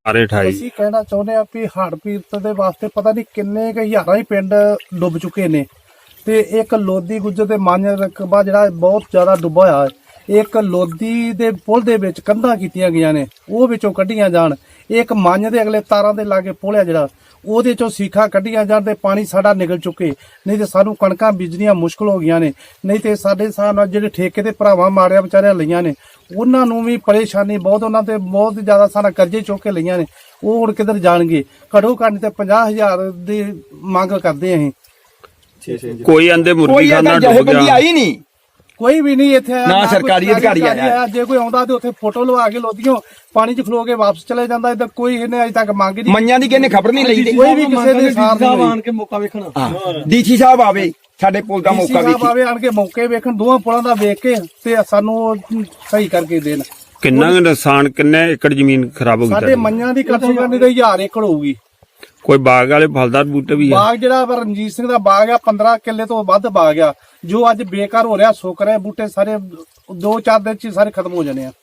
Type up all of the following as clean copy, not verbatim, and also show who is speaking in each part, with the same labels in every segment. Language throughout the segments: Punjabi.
Speaker 1: ਸਾਰੇ 28
Speaker 2: ਅਸੀਂ ਕਹਿਣਾ ਚਾਹੁੰਦੇ ਆ ਵੀ ਹੜ੍ਹ ਪੀੜਤ ਦੇ ਵਾਸਤੇ ਪਤਾ ਨਹੀਂ ਕਿੰਨੇ ਕੁ ਹਜ਼ਾਰਾਂ ਹੀ ਪਿੰਡ ਡੁੱਬ ਚੁੱਕੇ ਨੇ ਤੇ ਇੱਕ ਲੋਦੀ ਗੁੱਜਰ ਦੇ ਮੰਨ ਰਕਬਾ ਜਿਹੜਾ ਬਹੁਤ ਜ਼ਿਆਦਾ ਡੁੱਬਾ ਹੋਇਆ ਹੈ। ਇੱਕ ਲੋਦੀ ਦੇ ਪੁਲ ਦੇ ਵਿੱਚ ਕੰਧਾਂ ਕੀਤੀਆਂ ਗਈਆਂ ਨੇ, ਉਹ ਵਿੱਚੋਂ ਕੱਢੀਆਂ ਜਾਣ। ਇੱਕ ਮੰਨ ਦੇ ਅਗਲੇ ਤਾਰਾਂ ਦੇ ਲਾਗੇ ਪੁਲ ਆ ਜਿਹੜਾ, ਉਹਦੇ ਚੋਂ ਸੀਖਾਂ ਕੱਢੀਆਂ ਜਾਣ ਤੇ ਪਾਣੀ ਸਾਡਾ ਨਿਕਲ ਚੁੱਕੇ, ਨਹੀਂ ਤੇ ਸਾਨੂੰ ਕਣਕਾਂ ਬੀਜਣੀਆਂ ਮੁਸ਼ਕਲ ਹੋ ਗਈਆਂ ਨੇ। ਨਹੀਂ ਤੇ ਸਾਡੇ ਹਿਸਾਬ ਨਾਲ ਜਿਹੜੇ ਠੇਕੇ ਦੇ ਭਰਾਵਾਂ ਮਾਰਿਆ ਵਿਚਾਰਿਆਂ ਲਈਆਂ ਨੇ, ਉਹਨਾਂ ਨੂੰ ਵੀ ਪਰੇਸ਼ਾਨੀ ਬਹੁਤ, ਉਹਨਾਂ ਤੇ ਬਹੁਤ ਜ਼ਿਆਦਾ ਸਾਰਾ ਕਰਜ਼ੇ ਚੁੱਕ ਕੇ ਲਈਆਂ ਨੇ। ਉਹ ਹੁਣ ਕਿੱਧਰ ਜਾਣਗੇ? ਘੱਟੋ ਘੱਟ ਤੇ 50,000 ਦੀ ਮੰਗ ਕਰਦੇ ਅਸੀਂ।
Speaker 1: ਕੋਈ ਆਂਦੇ ਮੁਰਗੀ ਖਾਨਾ ਡੁੱਬ ਗਿਆ,
Speaker 3: ਆਈ ਨਹੀਂ,
Speaker 2: ਕੋਈ ਵੀ ਨਹੀਂ ਇੱਥੇ ਆਇਆ,
Speaker 3: ਨਾ ਸਰਕਾਰੀ ਅਧਿਕਾਰੀ ਆਇਆ।
Speaker 2: ਜੇ ਕੋਈ ਆਉਂਦਾ ਤੇ ਉੱਥੇ ਫੋਟੋ ਲਵਾ ਕੇ ਲੋਦੀਆਂ ਪਾਣੀ 'ਚ ਖਲੋ ਕੇ ਵਾਪਸ ਚਲੇ ਜਾਂਦਾ। ਇੱਧਰ ਕੋਈ ਇਹਨੇ ਅਜੇ ਤੱਕ ਮੰਗ ਨਹੀਂ,
Speaker 3: ਮੰਨਿਆਂ ਦੀ ਕਿਹਨੇ ਖਬਰ ਨਹੀਂ ਲਈ।
Speaker 2: ਕੋਈ ਵੀ ਕਿਸੇ ਦੇ ਸਾਥ ਨਹੀਂ
Speaker 4: ਆਣ ਕੇ ਮੌਕਾ ਵੇਖਣਾ।
Speaker 3: ਡੀਸੀ ਸਾਹਿਬ ਆਵੇ, ਸਾਡੇ ਪੁਲ ਦਾ ਮੌਕਾ ਵੇਖੀ,
Speaker 2: ਆਵੇ ਆਣ ਕੇ ਮੌਕੇ ਵੇਖਣ, ਦੋਵਾਂ ਪੁਲਾਂ ਦਾ ਵੇਖ ਕੇ ਤੇ ਸਾਨੂੰ ਉਹ ਸਹੀ ਕਰਕੇ ਦੇਣ।
Speaker 1: ਕਿੰਨਾ ਕੁ ਨੁਕਸਾਨ, ਕਿੰਨੇ ਏਕੜ ਜ਼ਮੀਨ ਖਰਾਬ ਹੋ ਗਈ
Speaker 2: ਸਾਡੇ
Speaker 1: ਤੁਹਾਡੀ?
Speaker 2: ਮੰਨਿਆਂ ਦੀ ਕੱਟ ਕਰਨੀ ਤੇ 1000 ਏਕੜ ਹੋਊਗੀ।
Speaker 1: ਕੋਈ ਬਾਗ ਵਾਲੇ ਫਲਦਾਰ ਬੂਟੇ ਵੀ ਆ?
Speaker 2: ਬਾਗ ਜਿਹੜਾ ਰਣਜੀਤ ਸਿੰਘ ਦਾ ਬਾਗ ਆ 15 ਕਿੱਲੇ ਤੋਂ ਵੱਧ ਬਾਗ ਆ, ਜੋ ਅੱਜ ਬੇਕਾਰ ਹੋ ਰਿਹਾ, ਸੁੱਕ ਰਿਹਾ। ਬੂਟੇ ਸਾਰੇ 2-4 ਦਿਨ 'ਚ ਹੀ ਸਾਰੇ ਖਤਮ ਹੋ ਜਾਣੇ ਆ।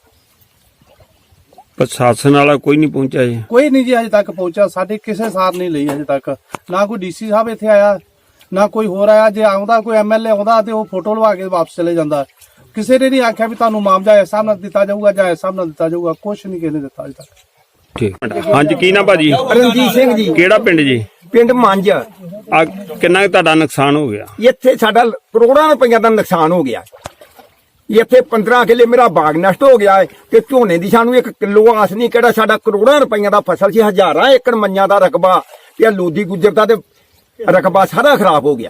Speaker 1: ਪ੍ਰਸ਼ਾਸਨ ਵਾਲਾ ਕੋਈ ਨਹੀਂ ਪਹੁੰਚਿਆ ਜੀ?
Speaker 2: ਕੋਈ ਨਹੀਂ ਜੀ ਅਜੇ ਤੱਕ ਪਹੁੰਚਿਆ, ਸਾਡੇ ਕਿਸੇ ਸਾਰ ਨਹੀਂ ਲਈ ਅਜੇ ਤੱਕ। ਨਾ ਕੋਈ ਡੀਸੀ ਸਾਹਿਬ ਇੱਥੇ ਆਇਆ, ਨਾ ਕੋਈ ਹੋਰ ਆਇਆ। ਜੇ ਆਉਂਦਾ ਕੋਈ ਐਮਐਲਏ ਆਉਂਦਾ ਤੇ ਉਹ ਫੋਟੋ ਲਵਾ ਕੇ ਵਾਪਸ ਚਲੇ ਜਾਂਦਾ। ਕਿਸੇ ਨੇ ਨਹੀਂ ਆਖਿਆ ਵੀ ਤੁਹਾਨੂੰ ਮੁਆਵਜ਼ਾ ਇਸ ਹਿਸਾਬ ਨਾਲ ਦਿੱਤਾ ਜਾਊਗਾ ਜਾਂ ਇਸ ਹਿਸਾਬ ਨਾਲ ਦਿੱਤਾ ਜਾਊਗਾ, ਕੁਛ ਨਹੀਂ ਕਿਸੇ ਨੇ ਦਿੱਤਾ ਅਜੇ ਤੱਕ।
Speaker 1: ਠੀਕ, ਹਾਂਜੀ ਕੀ ਨਾ ਭਾਜੀ?
Speaker 3: ਰਣਜੀਤ ਸਿੰਘ ਜੀ,
Speaker 1: ਕਿਹੜਾ ਪਿੰਡ ਜੀ?
Speaker 3: ਪਿੰਡ ਮੰਝ।
Speaker 1: ਆ ਕਿੰਨਾ ਕੁ ਤੁਹਾਡਾ ਨੁਕਸਾਨ ਹੋ ਗਿਆ?
Speaker 3: ਇੱਥੇ ਸਾਡਾ ਕਰੋੜਾਂ ਰੁਪਈਆ ਦਾ ਨੁਕਸਾਨ ਹੋ ਗਿਆ। ਇੱਥੇ 15 ਕਿੱਲੇ ਮੇਰਾ ਬਾਗ ਨਸ਼ਟ ਹੋ ਗਿਆ ਹੈ ਤੇ ਝੋਨੇ ਦੀ ਸਾਨੂੰ 1 ਕਿਲੋ ਆਸ ਨਹੀਂ। ਕਿਹੜਾ ਸਾਡਾ ਕਰੋੜਾਂ ਰੁਪਈਆ ਦਾ ਫਸਲ ਸੀ, ਹਜ਼ਾਰਾਂ ਏਕੜ ਮੰਨਿਆਂ ਦਾ ਰਕਬਾ ਤੇ ਲੋਦੀ ਗੁੱਜਰ ਦਾ ਤੇ ਰਕਬਾ ਸਾਰਾ ਖਰਾਬ ਹੋ ਗਿਆ।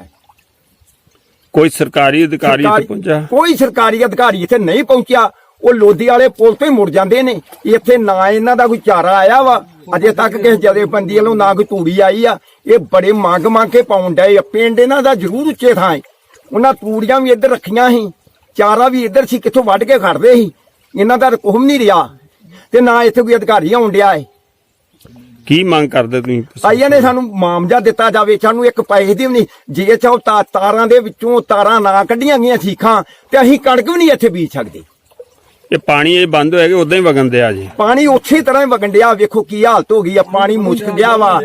Speaker 1: ਕੋਈ ਸਰਕਾਰੀ ਅਧਿਕਾਰੀ ਇੱਥੇ ਪਹੁੰਚਿਆ?
Speaker 3: ਕੋਈ ਸਰਕਾਰੀ ਅਧਿਕਾਰੀ ਇੱਥੇ ਨਹੀਂ ਪਹੁੰਚਿਆ। ਉਹ ਲੋਦੀ ਵਾਲੇ ਪੁਲ ਤੋਂ ਹੀ ਮੁੜ ਜਾਂਦੇ ਨੇ। ਇੱਥੇ ਨਾ ਇਹਨਾਂ ਦਾ ਕੋਈ ਚਾਰਾ ਆਇਆ ਵਾ ਅਜੇ ਤੱਕ, ਕਿਸੇ ਜਥੇਬੰਦੀ ਵੱਲੋਂ ਨਾ ਕੋਈ ਤੂੜੀ ਆਈ ਆ। ਇਹ ਬੜੇ ਮੰਗ ਕੇ ਪਾਉਣ ਡਏ ਆ। ਪਿੰਡ ਇਹਨਾਂ ਦਾ ਜ਼ਰੂਰ ਉੱਚੇ ਥਾਂ ਹੈ, ਉਹਨਾਂ ਤੂੜੀਆਂ ਵੀ ਇੱਧਰ ਰੱਖੀਆਂ ਸੀ, ਚਾਰਾ ਵੀ ਇੱਧਰ ਸੀ, ਕਿੱਥੋਂ ਵੱਢ ਕੇ ਖੜਦੇ ਸੀ। ਇਹਨਾਂ ਦਾ ਕੁਹਮ ਨਹੀਂ ਰਿਹਾ ਤੇ ਨਾ ਇੱਥੇ ਕੋਈ ਅਧਿਕਾਰੀ ਆਉਣ ਡਿਆ ਹੈ।
Speaker 1: ਕੀ ਮੰਗ ਕਰਦੇ ਤੁਸੀਂ?
Speaker 3: ਆਈਆਂ ਨੇ ਸਾਨੂੰ ਮੁਆਵਜ਼ਾ ਦਿੱਤਾ ਜਾਵੇ, ਸਾਨੂੰ ਇੱਕ ਪੈਸੇ ਦੀ ਵੀ ਨਹੀਂ। ਜੇ ਚਾਹੋ ਤਾਰਾਂ ਦੇ ਵਿੱਚੋਂ ਤਾਰਾਂ ਨਾ ਕੱਢੀਆਂ ਗਈਆਂ ਸੀਖਾਂ ਤੇ ਅਸੀਂ ਕਣਕ ਵੀ ਨਹੀਂ ਇੱਥੇ ਬੀਜ ਸਕਦੇ।
Speaker 1: ਇਹ ਪਾਣੀ ਇਹ ਬੰਦ ਹੋਇਆ ਕਿ ਉਦਾਂ ਹੀ ਵਗਣ ਦਿਆ ਜੀ?
Speaker 3: ਪਾਣੀ ਉਸੇ ਤਰ੍ਹਾਂ ਹੀ ਵਗਣ ਡਿਆ। ਵੇਖੋ ਕੀ ਹਾਲਤ ਹੋ ਗਈ ਆ, ਪਾਣੀ ਮੁਸ਼ਕ ਗਿਆ ਵਾ।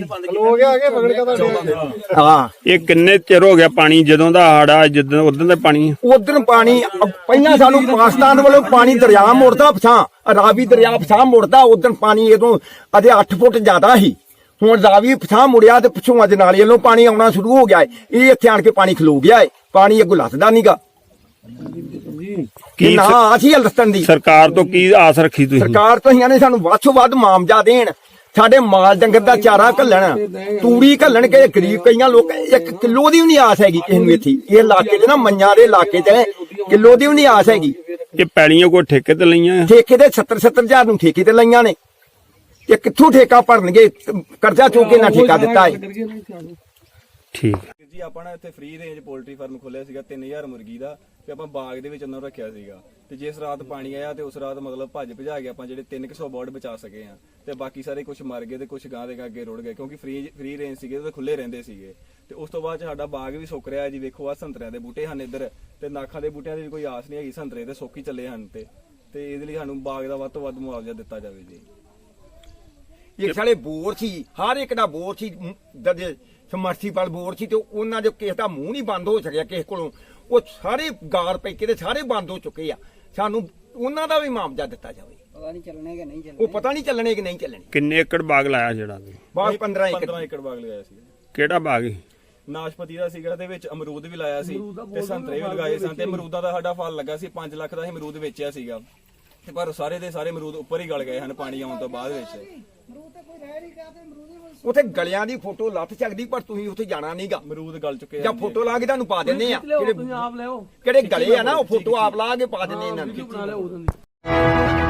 Speaker 3: ਹਾਂ,
Speaker 1: ਇਹ ਕਿੰਨੇ ਚਿਰ ਹੋ ਗਿਆ ਪਾਣੀ ਜਦੋਂ ਦਾ ਹੜਾ, ਜਦੋਂ ਉਦੋਂ ਦਾ ਪਾਣੀ?
Speaker 3: ਉਧਰ ਪਾਣੀ ਪਹਿਲਾਂ ਸਾਨੂੰ ਪਾਕਿਸਤਾਨ ਵੱਲੋਂ ਪਾਣੀ ਦਰਿਆ ਮੁੜਦਾ ਪਛਾਂ, ਰਾਵੀ ਦਰਿਆ ਪਛਾਂ ਮੁੜਦਾ। ਉਧਰ ਪਾਣੀ ਇਦੋਂ ਅਜੇ 8 ਫੁੱਟ ਜ਼ਿਆਦਾ ਸੀ। ਹੁਣ ਰਾਵੀ ਪਛਾਂ ਮੁੜਿਆ ਤੇ ਪਿੱਛੋਂ ਅੱਜ ਨਾਲੇ ਵੱਲੋਂ ਪਾਣੀ ਆਉਣਾ ਸ਼ੁਰੂ ਹੋ ਗਿਆ ਹੈ। ਇਹ ਇੱਥੇ ਆਣ ਕੇ ਪਾਣੀ ਖਲੋ ਗਿਆ ਹੈ। ਪਾਣੀ ਅੱਗੋਂ ਲੱਥਦਾ ਨਹੀਂਗਾ।
Speaker 1: ਕੀ
Speaker 3: ਨਾ ਅਸੀਂ ਹਲਸਤਨ ਦੀ
Speaker 1: ਸਰਕਾਰ ਤੋਂ ਕੀ ਆਸ ਰੱਖੀ ਤੁਸੀਂ?
Speaker 3: ਸਰਕਾਰ ਤੋਂ ਇਹਨਾਂ ਨੇ ਸਾਨੂੰ ਵੱਧ ਤੋਂ ਵੱਧ ਮੁਆਵਜ਼ਾ ਦੇਣ, ਸਾਡੇ ਮਾਲ ਡੰਗਰ ਦਾ ਚਾਰਾ ਘੱਲਣ, ਤੂੜੀ ਘੱਲਣ। ਕੇ ਗਰੀਬ ਕਈਆਂ ਲੋਕ 1 ਕਿਲੋ ਦੀ ਵੀ ਨਹੀਂ ਆਸ ਹੈਗੀ ਕਿਸੇ ਨੂੰ। ਇੱਥੇ ਇਹ ਇਲਾਕੇ 'ਚ ਨਾ ਮੰਨਿਆਂ ਦੇ ਇਲਾਕੇ 'ਚ ਕਿਲੋ ਦੀ ਵੀ ਨਹੀਂ ਆਸ ਹੈਗੀ।
Speaker 1: ਇਹ ਪੈਲੀਆਂ ਕੋਈ ਠੇਕੇ ਤੇ ਲਈਆਂ?
Speaker 3: ਠੇਕੇ ਦੇ 70 ਹਜ਼ਾਰ ਨੂੰ ਠੇਕੇ ਤੇ ਲਈਆਂ ਨੇ। ਇਹ ਕਿੱਥੋਂ ਠੇਕਾ ਭਰਨਗੇ? ਕਰਜ਼ਾ ਚੁੱਕ ਕੇ ਨਾ ਠੇਕਾ ਦਿੱਤਾ ਹੈ।
Speaker 1: ਠੀਕ
Speaker 4: ਜੀ ਆਪਾਂ ਨਾ ਇੱਥੇ ਫ੍ਰੀ ਰੇਂਜ ਪੋਲਟਰੀ ਫਾਰਮ ਖੋਲਿਆ ਸੀਗਾ 3000 ਮੁਰਗੀ ਦਾ ਤੇ ਆਪਾਂ ਬਾਗ ਦੇ ਵਿੱਚ ਉਹਨਾਂ ਨੂੰ ਰੱਖਿਆ ਸੀਗਾ। ਤੇ ਜਿਸ ਰਾਤ ਪਾਣੀ ਆਇਆ ਤੇ ਉਸ ਰਾਤ ਮਤਲਬ ਭੱਜ ਭਜਾ ਕੇ ਆਪਾਂ ਜਿਹੜੇ 300 ਬਰਡ ਬਚਾ ਸਕੇ ਆ ਤੇ ਬਾਕੀ ਸਾਰੇ ਕੁਝ ਮਰ ਗਏ ਤੇ ਕੁਝ ਗਾਂ ਦੇ ਅੱਗੇ ਰੁੜ ਗਏ ਕਿਉਂਕਿ ਫ੍ਰੀ ਰੇਂਜ ਸੀਗੇ ਤੇ ਖੁੱਲੇ ਰਹਿੰਦੇ ਸੀਗੇ। ਤੇ ਉਸ ਤੋਂ ਬਾਅਦ ਸਾਡਾ ਬਾਗ ਵੀ ਸੁੱਕ ਰਿਹਾ ਜੀ। ਵੇਖੋ ਆ ਸੰਤਰਿਆਂ ਦੇ ਬੂਟੇ ਹਨ ਇੱਧਰ ਤੇ ਨਾਖਾਂ ਦੇ ਬੂਟਿਆਂ ਦੀ ਵੀ ਕੋਈ ਆਸ ਨਹੀਂ ਹੈਗੀ। ਸੰਤਰੇ ਤੇ ਸੁੱਕ ਹੀ ਚੱਲੇ ਹਨ ਤੇ ਇਹਦੇ ਲਈ ਸਾਨੂੰ ਬਾਗ ਦਾ ਵੱਧ ਤੋਂ ਵੱਧ ਮੁਆਵਜ਼ਾ ਦਿੱਤਾ ਜਾਵੇ ਜੀ।
Speaker 3: ਇਹ ਸਾਲੇ ਬੋਰ ਸੀ, ਹਰ ਇੱਕ ਦਾ ਬੋਰ ਸੀ, ਸਮਰਸੀਬਲ ਬੋਰ ਸੀ ਤੇ ਉਹਨਾਂ ਦੇ ਕਿਸੇ ਦਾ ਮੂੰਹ ਨਹੀਂ ਬੰਦ ਹੋ ਸਕਿਆ ਕਿਸੇ ਕੋਲੋਂ। ਉਹ ਸਾਰੇ ਗਾਰ ਪੈ ਕੇ ਤੇ ਸਾਰੇ ਬੰਦ ਹੋ ਚੁੱਕੇ ਆ। ਸਾਨੂੰ ਉਹਨਾਂ ਦਾ ਵੀ ਮੁਆਵਜ਼ਾ ਦਿੱਤਾ ਜਾਵੇ।
Speaker 5: ਪਤਾ ਨਹੀਂ ਚੱਲਣੇ ਕਿ ਨਹੀਂ ਚੱਲਣੇ।
Speaker 3: ਉਹ ਪਤਾ ਨਹੀਂ ਚੱਲਣੇ ਕਿ ਨਹੀਂ ਚੱਲਣੇ।
Speaker 1: ਕਿੰਨੇ ਏਕੜ ਬਾਗ ਲਾਇਆ ਜਿਹੜਾ?
Speaker 3: ਬਾਗ 15
Speaker 4: ਏਕੜ ਬਾਗ ਲਗਾਇਆ ਸੀ।
Speaker 1: ਕਿਹੜਾ ਬਾਗ ਹੈ?
Speaker 4: ਨਾਸ਼ਪਤੀ ਦਾ ਸੀਗਾ ਤੇ ਵਿੱਚ ਅਮਰੂਦ ਵੀ ਲਾਇਆ ਸੀ ਤੇ ਸੰਤਰੇ ਵੀ ਲਗਾਏ ਸਨ ਤੇ ਅਮਰੂਦਾਂ ਦਾ ਸਾਡਾ ਫਲ ਲੱਗਾ ਸੀ 5 ਲੱਖ ਦਾ ਅਸੀਂ ਅਮਰੂਦ ਵੇਚਿਆ ਸੀਗਾ ਤੇ ਪਰ ਸਾਰੇ ਦੇ ਸਾਰੇ ਅਮਰੂਦ ਉੱਪਰ ਹੀ ਗਲ ਗਏ ਹਨ ਪਾਣੀ ਆਉਣ ਤੋਂ ਬਾਅਦ ਵਿੱਚ।
Speaker 3: ਉੱਥੇ ਗਲਿਆਂ ਦੀ ਫੋਟੋ ਲੱਥ ਸਕਦੀ ਪਰ ਤੁਸੀਂ ਉੱਥੇ ਜਾਣਾ ਨਹੀਂਗਾ।
Speaker 4: ਅਮਰੂਦ ਗਲ ਚੁੱਕੇ
Speaker 3: ਜਾਂ ਫੋਟੋ ਲਾ ਕੇ ਤੁਹਾਨੂੰ ਪਾ ਦਿੰਨੇ ਆ।
Speaker 4: ਆਪ ਲਿਓ
Speaker 3: ਕਿਹੜੇ ਗਲੇ ਆ ਨਾ ਉਹ ਫੋਟੋ ਆਪ ਲਾ ਕੇ ਪਾ ਦਿੰਨੇ ਇਹਨਾਂ ਨੂੰ।